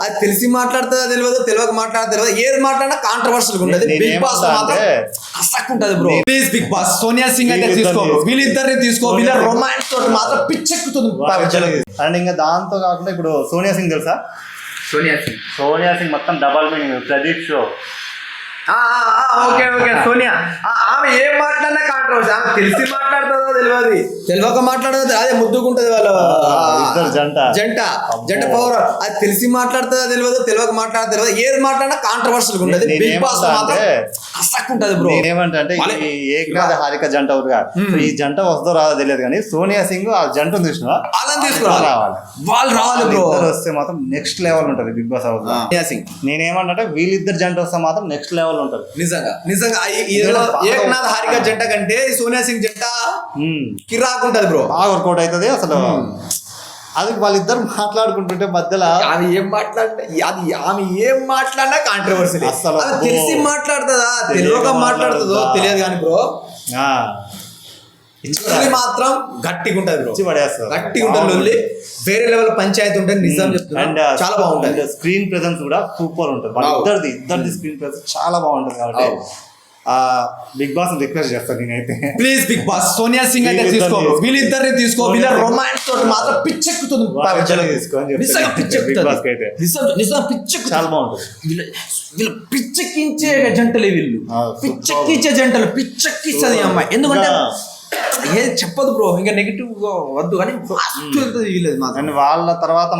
అది తెలిసి మాట్లాడుతుందో తెలియదు, తెలియక మాట్లాడుతుందో తెలియదు, ఏది మాట్లాడినా కాంట్రవర్షియల్ ఉంటది. బిగ్ బాస్ మాత్రం కసక్ ఉంటది bro. Please big boss Sonia Singh అయితే తీసుకో, వీళ్ళిద్దరిని తీసుకో, వీళ్ళ రొమాన్స్ తోటి మాత్రం పిచ్చెక్కుతుంది. అండ్ ఇంకా దాంతో కాకుండా ఇప్పుడు సోనియా సింగ్ తెలుసా? సోనియా సింగ్ మొత్తం double meaning. Pradeep show okay Sonia ఆమె ఏం మాట్లాడినా కాంట్రవర్సీ. ఆమె తెలిసి మాట్లాడుతుందో తెలియదు, తెలియక మాట్లాడదు, అదే ముద్దుకుంటది వాళ్ళ జంట పవర్. అది తెలిసి మాట్లాడుతుందో తెలియదు, తెలియక మాట్లాడుతుందో తెలియదు, ఏది మాట్లాడినా కాంట్రవర్షియల్ ఉంటది. బిగ్ బాస్ మాత్రం కసక్ ఉంటది బ్రో. ఏమంటే ఈ ఏకనాథ హారిక జంట ఈ జంట వస్తుందో రాదో తెలియదు కానీ సోనియా సింగ్ ఆ జంట చూసినా వాళ్ళని తీసుకురావాలి, వాళ్ళు రావాలి బ్రో. వస్తే మాత్రం నెక్స్ట్ లెవెల్ ఉంటది big boss house. Sonia Singh నేనేమంటే వీళ్ళిద్దరు జంట వస్తే మాత్రం నెక్స్ట్ లెవెల్ ఉంటది. నిజంగా ఏకనాథ్ హారిక జంట కంటే సోనియా సింగ్ జంట కిరాకుంటది బ్రో. బాగా వర్కౌట్ అవుతుంది అసలు. అది వాళ్ళిద్దరు మాట్లాడుకుంటుంటే మధ్యలో ఆమె ఏం మాట్లాడినా కాంట్రవర్సీ. అసలు తెలిసి మాట్లాడుతుందా తెలియక మాట్లాడుతుందో తెలియదు కానీ బ్రో మాత్రం గట్టిగా ఉంటది బ్రో. గట్టిగా ఉంటుంది, వేరే లెవెల్ పంచాయతీ ఉంటుంది. నిజం చెప్తున్నా, చాలా బాగుంటుంది. స్క్రీన్ ప్రెజెన్స్ కూడా సూపర్ ఉంటుంది. ఇద్దరిది స్క్రీన్ ప్రెజెన్స్ చాలా బాగుంటుంది. కాబట్టి బిగ్ బాస్ రిక్వెస్ట్ చేస్తాను నేనైతే, please big boss Sonia Singh అయితే తీసుకో, వీళ్ళిద్దరిని తీసుకో, వీళ్ళ రొమాన్స్ తోటి మాత్రం పిచ్చెక్కుతుంది. చాలా బాగుంటుంది. వీళ్ళు పిచ్చెక్కించే జంటలే, వీళ్ళు పిచ్చెక్కించే జంటలు, పిచ్చెక్కించది అమ్మాయి. ఎందుకంటే ఏది చెప్పదు బ్రో, ఇంకా నెగిటివ్ వద్దు కానీ వాళ్ళ తర్వాత